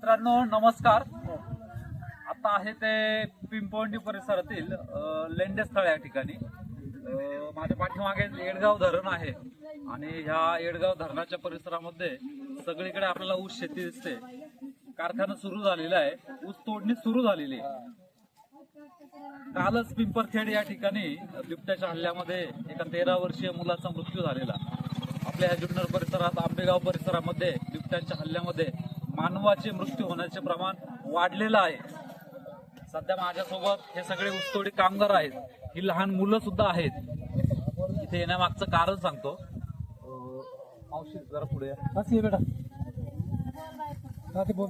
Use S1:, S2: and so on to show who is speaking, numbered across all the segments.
S1: मित्रांनो नमस्कार. आता आहे ते पिंपवंडी परिसरातील लेंडेस्थळ या ठिकाणी. माझ्या पाठीमागे येडगाव धरण आहे आणि ह्या येडगाव धरणाच्या परिसरामध्ये सगळीकडे आपल्याला ऊस शेती दिसते. कारखाना सुरू झालेला आहे, ऊस तोडणी सुरू झालेली आहे. कालच पिंपरखेड या ठिकाणी बिबट्याच्या हल्ल्यामध्ये एका 13 वर्षीय मुलाचा मृत्यू झालेला. आपल्या ह्या जुन्नर परिसरात आंबेगाव परिसरामध्ये बिबट्यांच्या हल्ल्यामध्ये मानवाचे मृत्यू होण्याचे प्रमाण वाढलेलं आहे. सध्या माझ्यासोबत हे सगळे ऊसतोडी कामगार आहेत, ही लहान मुलं सुद्धा आहेत. इथे येण्यामागचं कारण सांगतो. मावशी जरा पुढे या.
S2: असं बेटा बोल.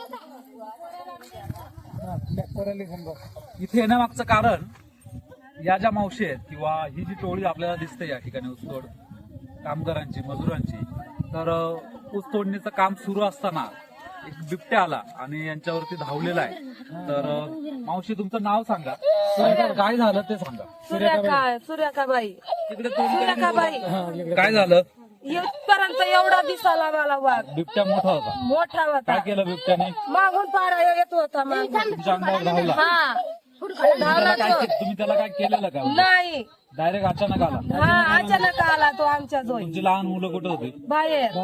S1: इथे येण्यामागचं कारण या ज्या मावशी आहेत किंवा ही जी टोळी आपल्याला दिसते या ठिकाणी ऊसतोड कामगारांची, मजुरांची, तर ऊस तोडणीचं काम सुरू असताना एक बिबट्या आला आणि यांच्यावरती धावलेला आहे. तर मावशी तुमचं नाव सांगा, काय झालं ते सांगा.
S3: सूर्यकाबाई
S1: तिकडे
S3: सूर्यकाबाई
S1: काय झालं?
S3: इथपर्यंत एवढा दिसाला मला वाघ.
S1: बिबट्या मोठा होता.
S3: मोठा होता.
S1: काय केलं बिबट्याने?
S3: मागून पारा येत होता
S1: तुमच्या अंगावर धावला.
S3: हा
S1: तुम्ही त्याला काय केलेलं का?
S3: नाही,
S1: डायरेक्ट अचानक आला.
S3: हा अचानक आला तो आमच्या जोई.
S1: तुमची लहान मुलं कुठे होती?
S3: बाहेर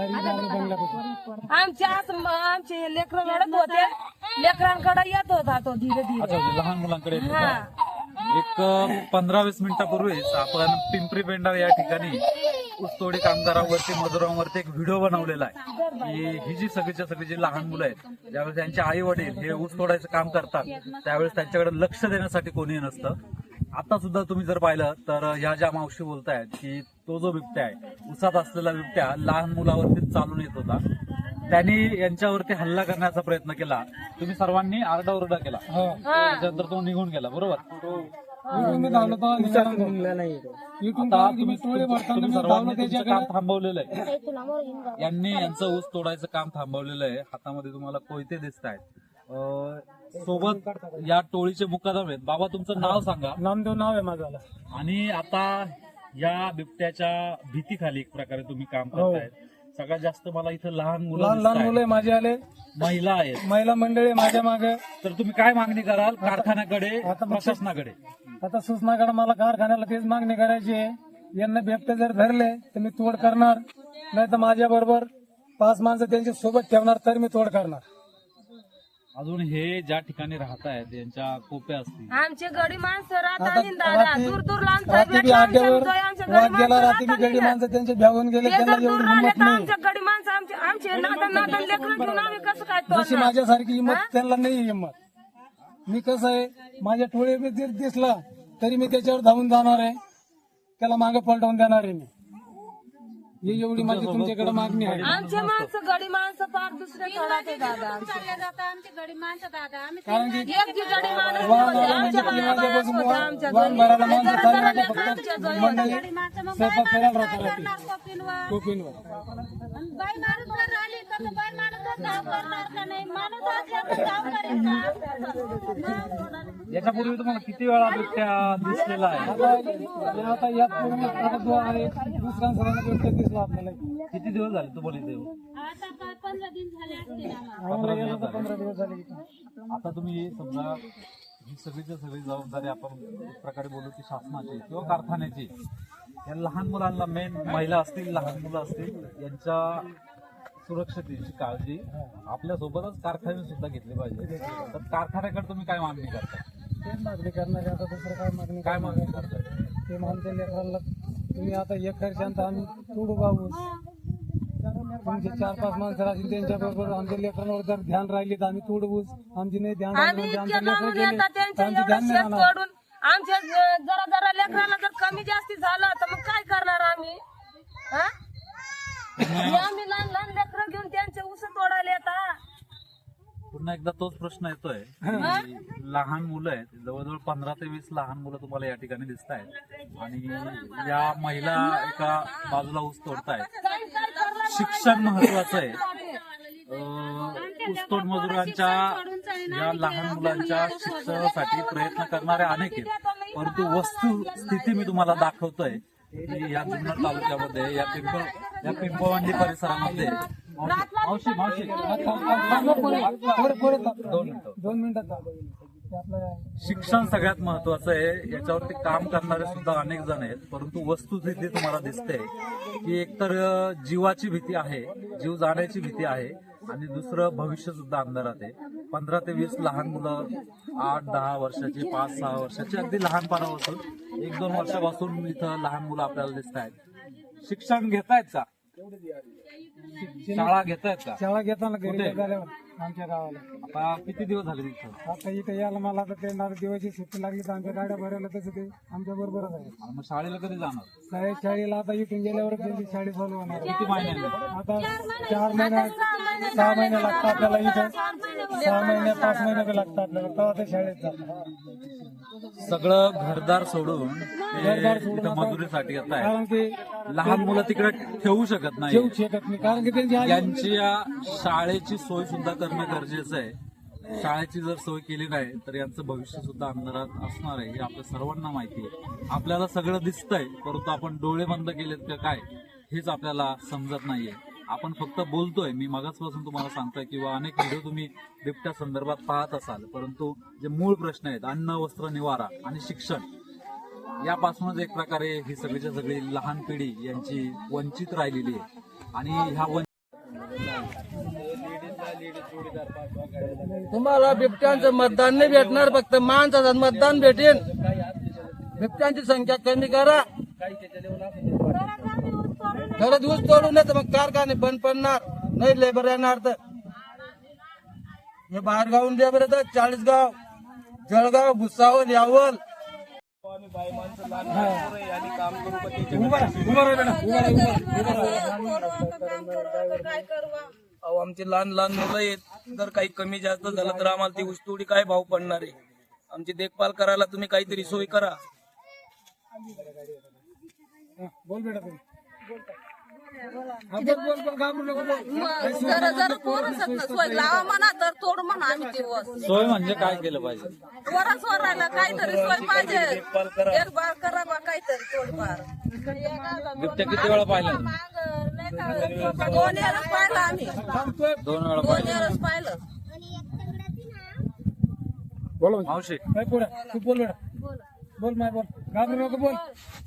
S3: आमचे लेकर रडत होते, लेकरांकडे येत होता तो धीरे
S1: अच्छा,
S3: धीरे.
S1: म्हणजे लहान मुलांकडे येत होता.
S3: हा
S1: एक 15-20 मिनिटापूर्वीच आपण पिंपरी पेंढार या ठिकाणी ऊसतोडी कामगारांवरती, मजुरांवरती एक व्हिडिओ बनवलेला आहे की ही जी सगळीच्या सगळी जी लहान मुलं आहेत, ज्यावेळेस त्यांचे आई वडील हे ऊस तोडायचं काम करतात त्यावेळेस त्यांच्याकडे लक्ष देण्यासाठी कोणी नसतं. आता सुद्धा तुम्ही जर पाहिलं तर ह्या ज्या मावशी बोलतायत की तो जो बिबट्या आहे, ऊसात असलेला बिबट्या लहान मुलावरती चालून येत होता. त्यांनी यांच्यावरती हल्ला करण्याचा प्रयत्न केला. तुम्ही सर्वांनी आरडाओरडा केला, त्याच्यानंतर तो निघून गेला. बरोबर? तुम्ही सर्वांनी तुमचं काम थांबवलेलं आहे. यांनी यांचं ऊस तोडायचं काम थांबवलेलं आहे. हातामध्ये तुम्हाला कोयते दिसत आहेत. सोबत या टोळीचे मुकादम आहेत. बाबा तुमचं नाव सांगा.
S2: नामदेव नाव आहे माझं.
S1: आणि आता या बिबट्याच्या भीतीखाली एक प्रकारे तुम्ही काम करतायत. सगळ्यात जास्त मला इथं लहान
S2: मुलं माझे आले,
S1: महिला आहेत,
S2: महिला मंडळी माझ्या मागे.
S1: तर तुम्ही काय मागणी कराल कारखान्याकडे, प्रशासनाकडे?
S2: आता सूचनाकडे मला कारखान्याला तेच मागणी करायची आहे. यांना बिबटे जर धरले तर मी तोड करणार, नाही तर माझ्या बरोबर 5 माणसं त्यांच्या सोबत ठेवणार तर मी तोड करणार.
S1: अजून हे ज्या ठिकाणी राहत आहेत यांच्या कोप्या असतील.
S3: आमचे गडी माणसं राहतात दूर दूर
S2: रात्री गडी माणसं त्यांचे भ्यावून गेले, त्यांना एवढी हिंमत नाही.
S3: आमच्या गडी माणसं आमचे नादन लेकरं घेऊन आम्ही कसं काय
S2: जशी माझ्यासारखी हिंमत त्यांना नाही हिंमत. मी कसं आहे, माझ्या टोळी जर दिसला तरी मी त्याच्यावर धावून जाणार आहे, त्याला मागे पलटवून देणार आहे मी. ही एवढी माझी तुमच्याकडे मागणी आहे.
S3: आमचे माणसं गडी माणसं फार दुसरे थोडा ते दादा
S4: आमचे गडी माणसं दादा आम्ही
S2: कारण की
S3: एक जी गडी माणूस
S2: वाहन भरायला माणसं चालणार फक्त मंडळी स्वयंपाक करायला राहतात रात्री कोपींवर.
S4: बाई माणूस जर आली तर बाई माणूस धाव करणार का नाही? माणूस असल्यावर धाव करेल का?
S1: याच्यापूर्वी तुम्हाला किती वेळा बिबट्या दिसलेला आहे?
S2: आता यात आता जो आहे दुसऱ्या सरांना बिबट्या दिसला आपल्याला.
S1: किती दिवस झाले तुम्हाला इथे?
S4: आता 15 दिन झाले असतील आम्हाला.
S2: 15 दिवस झाले.
S1: आता तुम्ही समजा ही सगळीच्या सगळी जबाबदारी आपण एक प्रकारे बोलू की शासनाची किंवा कारखान्याची. या लहान मुलांना, मेन महिला असतील, लहान मुलं असतील, यांच्या सुरक्षतेची काळजी आपल्यासोबतच कारखाने सुद्धा घेतली पाहिजे. तर कारखान्याकडे तुम्ही काय मागणी करता?
S2: तेच मागणी करणार आहे. आता दुसरं काय मागणी
S1: करताय?
S2: ते आमच्या लेकरांना तुम्ही आता एक खर्चांत आम्ही तोडू बाबू. तुमचे 4-5 माणसं राहतील, त्यांच्या बरोबर आमच्या लेकरांवर जर ध्यान राहिली तर आम्ही तोडवूच. आमची नाही ध्यान
S3: आम्ही
S2: राहिली
S3: इतके
S2: आमच्या
S3: लांबून
S2: लेकरं
S3: येतात, त्यांच्या
S2: आमची
S3: एवढं
S2: ध्यान नाही
S3: शेत
S2: राहणार.
S3: तोडून आमच्या जरा लेकरांना जर कमी जास्ती झालं तर मग काय करणार आम्ही? आम्ही लहान लहान लेकरं घेऊन त्यांचे ऊस तोडायला येतात.
S1: पुन्हा एकदा तोच प्रश्न येतोय. लहान मुलं आहेत, जवळजवळ 15 ते 20 लहान मुलं तुम्हाला या ठिकाणी दिसत आहेत आणि या महिला एका बाजूला ऊस तोडतायत. शिक्षण महत्वाचं आहे. ऊसतोड मजुरांच्या या लहान मुलांच्या शिक्षणासाठी प्रयत्न करणारे अनेक आहेत, परंतु वस्तुस्थिती मी तुम्हाला दाखवतोय की या जुन्नर तालुक्यामध्ये या पिंपळवंडी परिसरामध्ये मावशी मावशी
S2: दोन मिनिटात ते आपलं
S1: शिक्षण सगळ्यात महत्वाचं आहे. याच्यावरती काम करणारे सुद्धा अनेक जण आहेत, परंतु वस्तुस्थिती तुम्हाला दिसते की एकतर जीवाची भीती आहे, जीव जाण्याची भीती आहे, आणि दुसरं भविष्य सुद्धा अंधारात आहे. 15 ते 20 लहान मुलं, 8-10 वर्षाची, 5-6 वर्षाची, अगदी लहानपणापासून 1-2 वर्षापासून इथं लहान मुलं आपल्याला दिसत आहेत. शिक्षण घेतायत का? शाळा घेतायत का?
S2: शाळा घेताना घरी झाल्यावर आमच्या गावाला
S1: आता किती दिवस झाले तिथं?
S2: आता इथे यायला मला तर ते दिवाळीची सुट्टी लागली तर आमच्या गाड्या भरायला तसं ते आमच्या बरोबरच आहे.
S1: आणि मग शाळेला कधी जाणार?
S2: शाळेला आता इथून गेल्यावर त्यांची शाळा चालू होणार.
S1: किती महिन्यांनी?
S2: आता 4 महिने 6 महिने लागतात आपल्याला इथं, 6 महिने 5 महिने बी लागतात आपल्याला, तेव्हा ते शाळेत जातात.
S1: सगळं घरदार सोडून ते इथं मजुरीसाठी येत आहे.
S2: कारण की
S1: लहान मुलं तिकडे ठेवू शकत नाही.
S2: जेवू शकत नाही, कारण की त्यांची आई
S1: यांची या शाळेची सोय सुद्धा करणं गरजेचं आहे. शाळेची जर सोय केली नाही तर यांचं भविष्य सुद्धा अंधारात असणार आहे, हे आपल्या सर्वांना माहिती आहे. आपल्याला सगळं दिसतंय, परंतु आपण डोळे बंद केलेत का काय हेच आपल्याला समजत नाहीये. आपण फक्त बोलतोय, मी मगाचपासून तुम्हाला सांगतोय, किंवा अनेक व्हिडिओ तुम्ही बिबट्या संदर्भात पाहत असाल, परंतु जे मूळ प्रश्न आहेत, अन्न, वस्त्र, निवारा आणि शिक्षण, यापासूनच एक प्रकारे ही सगळीच्या सगळी लहान पिढी यांची वंचित राहिलेली आहे. आणि ह्या
S5: तुम्हाला बिबट्यांचं मतदान नाही भेटणार, फक्त माणसाचं मतदान भेटेल. बिबट्यांची संख्या कमी करा, घरात ऊस तोडू नये तर मग कारखाने बंद पडणार, नाही लेबर येणार. तर हे बाहेर गावून लेबर येतात, 40गाव, जळगाव, भुसावळ, यावल. अहो, आमची लहान लहान मुलं आहेत, जर काही कमी जास्त झालं तर आम्हाला ती ऊसतोडी काय भाव पडणार आहे? आमची देखभाल करायला तुम्ही काहीतरी सोय करा.
S2: बोल बेटा तुम्ही बोल घाबरू नको बोल.
S3: जरा जरा पोरसत ना सोय लावा म्हणा तर तोड म्हणा आम्ही ते वस
S1: सोय म्हणजे काय केलं पाहिजे?
S3: वरच वरायला काहीतरी सोय पाहिजे. देखभाल करा बा काहीतरी तोडफार.
S1: बिबट्या किती वेळा पाहिला?
S3: 2 वेळेस पाहिलं आम्ही,
S1: 2 वेळा
S3: 2
S1: पाहिलं.
S3: वेळेस पाहिलं.
S2: बोल
S1: मावशी
S2: काय पुढे तू बोल बेटा बोल माय बोल घाबरू नको बोल.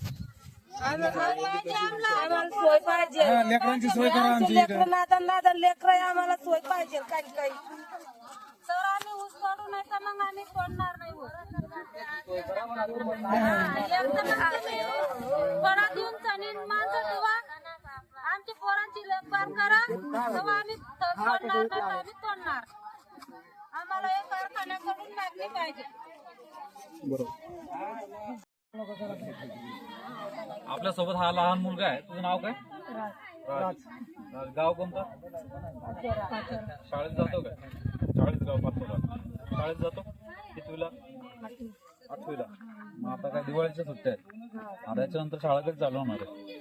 S3: आम्हाला सोय पाहिजे.
S2: हा, लेकरांची सोय करा आमची इथे.
S3: लेकरं नादन लेकर आम्हाला सोय पाहिजे काही. तर आम्ही ऊस तोडू नाही तर मग आम्ही तोडणार नाही ऊस. पडा देऊन चालीन माणसं तेव्हा आमच्या पोरांची लेखभाल करा, तेव्हा आम्ही तोडणार नाही तर आम्ही तोडणार. आम्हाला एक कारखान्याकडून मागणी पाहिजे.
S1: आपल्या सोबत हा लहान मुलगा आहे, तुझं नाव काय? राज. गाव कोणतं? शाळेत जातो काय? शाळेत गाव पाचोरा. शाळेत जातो कितवीला? 8वीला. मग आता काय दिवाळीच्या सुट्ट्या आहेत, आता याच्यानंतर शाळा कधी चालू होणार आहे?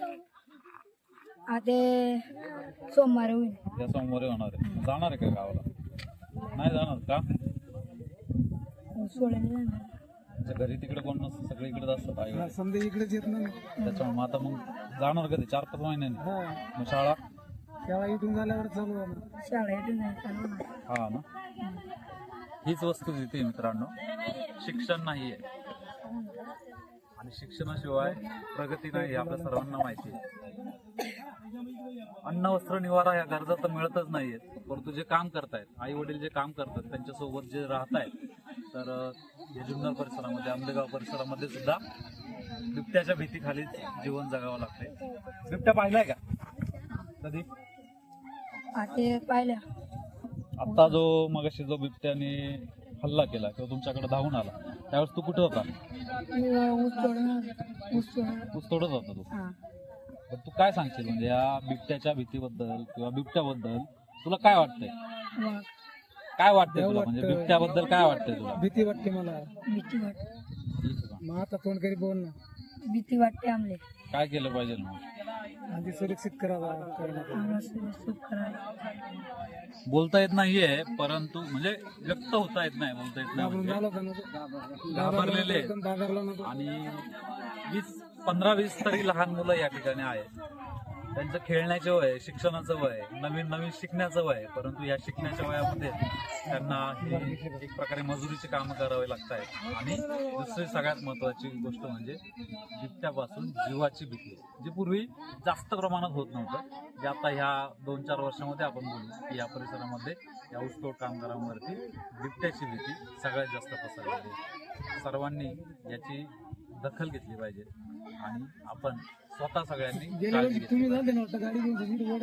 S4: आता सोमवारी होईल.
S1: या सोमवारी होणार आहे. जाणार आहे का गावाला? नाही जाणार का? म्हणजे घरी तिकडे कोण नसतं, सगळे इकडेच असतात आई.
S2: समजा इकडेच येत नाही.
S1: त्याच्यामुळे मग आता मग जाणार कधी? 4-5 महिन्यांनी.
S2: हा,
S1: मग शाळा?
S2: शाळा इथून झाल्यावर चालू होणार.
S4: शाळा इथून नाही चालू होणार.
S1: हा ना, हीच वस्तुस्थिती मित्रांनो. शिक्षण नाहीये आणि शिक्षणाशिवाय प्रगती नाही हे आपल्या सर्वांना माहिती आहे. अन्न, वस्त्र, निवारा या गरजा तर मिळतच नाहीयेत, परंतु जे काम करतायत, आई वडील जे काम करतात त्यांच्यासोबत जे राहतायत, तर या जुन्नर परिसरामध्ये, आंबेगाव परिसरामध्ये सुद्धा बिबट्याच्या भीतीखाली जीवन जगावं लागतंय. बिबट्या पाहिलाय का कधी?
S4: ते पाहिल्या.
S1: आता जो मगाशी जो बिबट्याने हल्ला केला किंवा तुमच्याकडे धावून आला, त्यावेळेस तू कुठे होता? ऊस तोडत होता तू. तर तू काय सांगशील म्हणजे या बिबट्याच्या भीतीबद्दल किंवा बिबट्याबद्दल तुला काय वाटतंय? काय वाटतंय तुला, म्हणजे बिबट्याबद्दल काय वाटतंय तुला?
S2: भीती वाटते मला.
S4: भीती वाटते.
S2: मग आता तोंड करी बोल ना.
S4: भीती वाटते आमले.
S1: काय केलं पाहिजे मग?
S2: आधी सुरक्षित करावा.
S4: आम्हाला सुरक्षित करायला.
S1: बोलता येत नाहीये, परंतु म्हणजे व्यक्त होता येत नाही, बोलता येत नाही म्हणजे. घाबरलेले आहेत.
S2: घाबरला नको.
S1: आणि 15-20 तरी लहान मुलं या ठिकाणी आहेत. त्यांचं खेळण्याचं वय, शिक्षणाचं वय, नवीन नवीन शिकण्याचं वय, परंतु या शिकण्याच्या वयामध्ये त्यांना ही एक प्रकारे मजुरीची कामं करावी लागत आहेत. आणि दुसरी सगळ्यात महत्वाची गोष्ट म्हणजे बिबट्यापासून जीवाची भीती, जी पूर्वी जास्त प्रमाणात होत नव्हतं, जे आता ह्या 2-4 वर्षामध्ये आपण बोलू की या परिसरामध्ये या ऊसतोड कामगारांवरती बिबट्याची भीती सगळ्यात जास्त पसरलेली आहे. सर्वांनी याची दखल घेतली पाहिजे आणि आपण स्वतः सगळ्यांनी
S2: गेल्या
S1: काळजी
S2: वर्षी
S1: घेतली
S2: तुम्ही
S1: पाहिजे.
S2: जाते ना वाटतं गाडी घेऊन